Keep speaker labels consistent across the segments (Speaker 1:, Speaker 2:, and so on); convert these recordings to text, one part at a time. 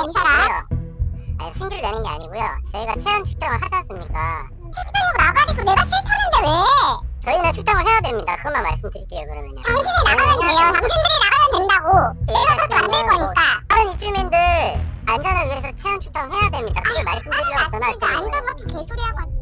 Speaker 1: 이 사람.
Speaker 2: 아니, 승질 내는 게 아니고요. 저희가 체온 측정을 하지 않습니까?
Speaker 1: 측정이고 나발이고 내가 싫다는데 왜?
Speaker 2: 저희는 측정을 해야 됩니다. 그것만 말씀드릴게요, 그러면요.
Speaker 1: 당신이 나가면 돼요. 당신들이 나가면 된다고. 내가 그렇게 만들 거니까.
Speaker 2: 다른 입주민들 안전을 위해서 체온 측정해야 됩니다. 그걸 말씀드리려고 전화했거든요.
Speaker 1: 진짜 안전 같은 개소리하고 왔네.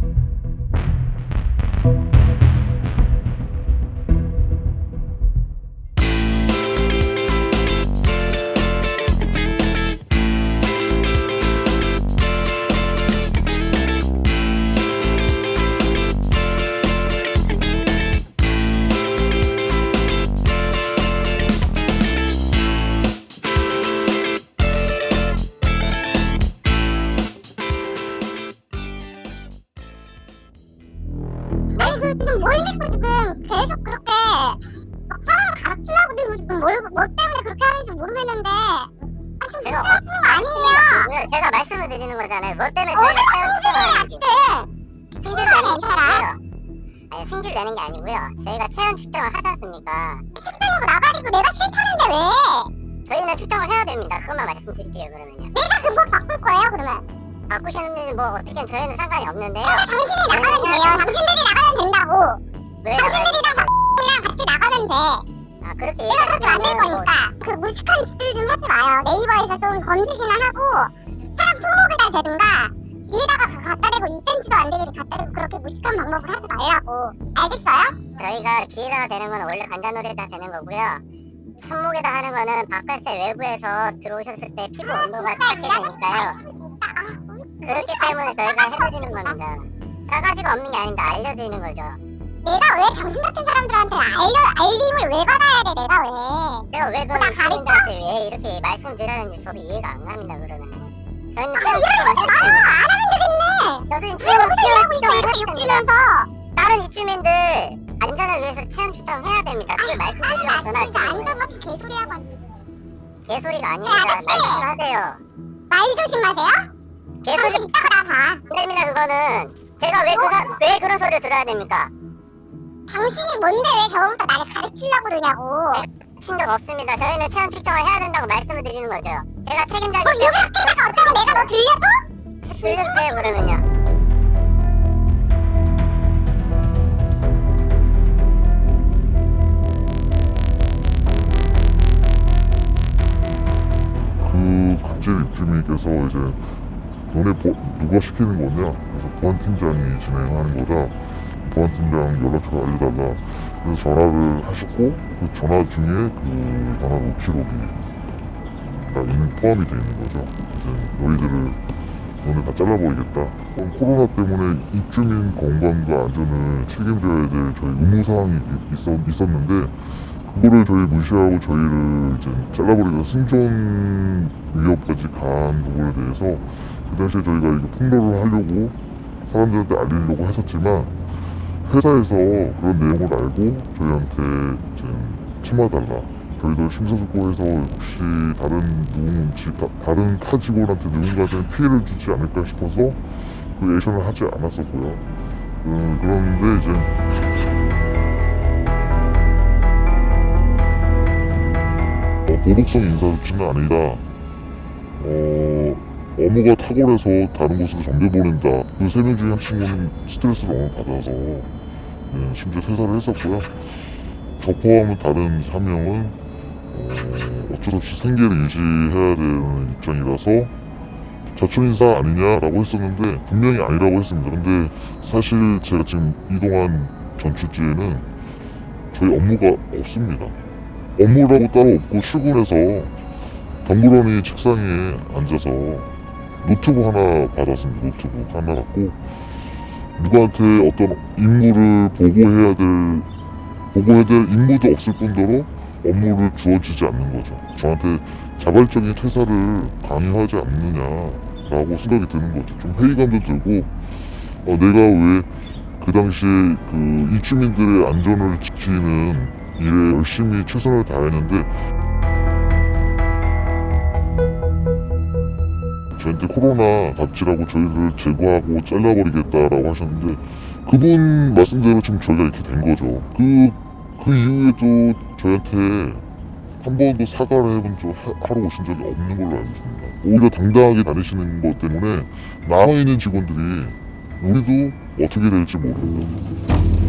Speaker 1: 아니 그 지금 뭘 믿고 지금 계속 그렇게 막 사람을 가르치려고 들고 지금 뭐 때문에 그렇게 하는지 모르겠는데 지금
Speaker 2: 제가
Speaker 1: 그렇게 하시는 거 아니에요.
Speaker 2: 제가 말씀을 드리는 거잖아요. 뭐 때문에
Speaker 1: 어디가
Speaker 2: 저희가 체온 측정을
Speaker 1: 승질이야 지금.
Speaker 2: 승질 내는 게 아니고요. 아니, 승질 내는 게 아니고요. 저희가 체온 측정을 하지 않습니까?
Speaker 1: 측정이고 나발이고 내가 싫다는데 왜?
Speaker 2: 저희는 측정을 해야 됩니다. 그것만 말씀드릴게요, 그러면요.
Speaker 1: 내가 근본 바꿀 거예요 그러면.
Speaker 2: 바꾸시는지 뭐 어떻게 저희는 상관이 없는데요.
Speaker 1: 당신이 나가면 돼요. 당신들이 나가면 된다고.
Speaker 2: 왜 나가요?
Speaker 1: 당신들이랑 X이랑 같이 나가면 돼.
Speaker 2: 아, 그렇게
Speaker 1: 내가 그렇게 만들
Speaker 2: 얘기하시면은
Speaker 1: 거니까. 그 무식한 짓들 좀 하지 마요. 네이버에서 좀 검색이나 하고 사람 손목에다 대든가 뒤에다가 갖다 대고 2cm도 안 되게 갖다 대고 그렇게 무식한 방법을 하지 말라고. 알겠어요?
Speaker 2: 저희가 뒤에다가 대는 건 원래 관자놀이에다 대는 거고요. 손목에다 하는 거는 바깥에 외부에서 들어오셨을 때 피부 온도가
Speaker 1: 진짜
Speaker 2: 차게 되니까요. 그렇기 때문에 저희가 해드리는 겁니다. 싸가지가 없는 게 아닌데 알려드리는 거죠.
Speaker 1: 내가 왜 당신 같은 사람들한테 알림을 왜 받아야 돼? 내가 왜?
Speaker 2: 제가 왜
Speaker 1: 나
Speaker 2: 그런
Speaker 1: 가르쳐?
Speaker 2: 시민들한테 왜 이렇게 말씀드리는지 저도 이해가 안 갑니다. 그러면 저희는
Speaker 1: 이러지 마요. 안 하면 되겠네.
Speaker 2: 저희는
Speaker 1: 왜
Speaker 2: 체온
Speaker 1: 무슨 일하고 있어?
Speaker 2: 측정을
Speaker 1: 이렇게
Speaker 2: 했습니다.
Speaker 1: 욕주면서.
Speaker 2: 다른 입주민들 안전을 위해서 체온 측정해야 됩니다. 그걸 말씀드리려고
Speaker 1: 진짜
Speaker 2: 전화했거든요.
Speaker 1: 안전 같은 개소리하고 왔네.
Speaker 2: 개소리가 아닙니다.
Speaker 1: 아저씨!
Speaker 2: 말씀하세요.
Speaker 1: 말 조심하세요.
Speaker 2: 개소리
Speaker 1: 당신 이따가 나 봐.
Speaker 2: 안 됩니다. 그거는 제가 왜 그런 소리를 들어야 됩니까?
Speaker 1: 당신이 뭔데 왜 저번부터 나를 가르치려고 그러냐고.
Speaker 2: 친 적 없습니다. 저희는 체온 측정을 해야 된다고 말씀을 드리는 거죠. 제가 책임자기
Speaker 1: 너 유학회사가 어쩌고 내가 너 들려줘?
Speaker 2: 들려주세요 그러면요.
Speaker 3: 그 갑질 입주민께서 이제 너네 누가 시키는 거냐? 그래서 보안팀장이 진행하는 거다. 보안팀장 연락처를 알려달라. 그래서 전화를 하셨고 그 전화 중에 그 전화 녹취록이 포함이 돼 있는 거죠. 이제 너네 다 잘라버리겠다. 코로나 때문에 입주민 건강과 안전을 책임져야 될 저희 의무사항이 있었는데 그거를 저희 무시하고 저희를 이제 잘라버리다 생존 위협까지 간 부분에 대해서 그 당시에 저희가 이거 폭로를 하려고 사람들한테 알리려고 했었지만 회사에서 그런 내용을 알고 저희한테 이제 참아달라. 저희도 심사숙고해서 혹시 다른 타 직원한테 누군가한테 피해를 주지 않을까 싶어서 그 액션을 하지 않았었고요. 그런데 이제 도덕성 인사조치는 아니다. 업무가 탁월해서 다른 곳으로 전배 보낸다. 그 3명 중에 한 친구는 스트레스를 너무 받아서 심지어 퇴사를 했었고요. 저 포함한 다른 1명은 어쩔 수 없이 생계를 유지해야 되는 입장이라서 자초인사 아니냐라고 했었는데 분명히 아니라고 했습니다. 근데 사실 제가 지금 이동한 전출지에는 저희 업무가 없습니다. 업무라고 따로 없고 출근해서 덩그러니 책상에 앉아서 노트북 하나 받았습니다. 노트북 하나 갖고 누구한테 어떤 임무를 보고해야 될 임무도 없을 뿐더러 업무를 주어지지 않는 거죠. 저한테 자발적인 퇴사를 강요하지 않느냐라고 생각이 드는 거죠. 좀 회의감도 들고 내가 왜 그 당시에 그 입주민들의 안전을 지키는 일에 열심히 최선을 다했는데 저한테 코로나 갑질하고 저희를 제거하고 잘라버리겠다라고 하셨는데 그분 말씀대로 지금 저희가 이렇게 된 거죠. 그 이후에도 저희한테 한 번도 사과를 하러 오신 적이 없는 걸로 알고 있습니다. 오히려 당당하게 다니시는 것 때문에 남아있는 직원들이 우리도 어떻게 될지 모릅니다.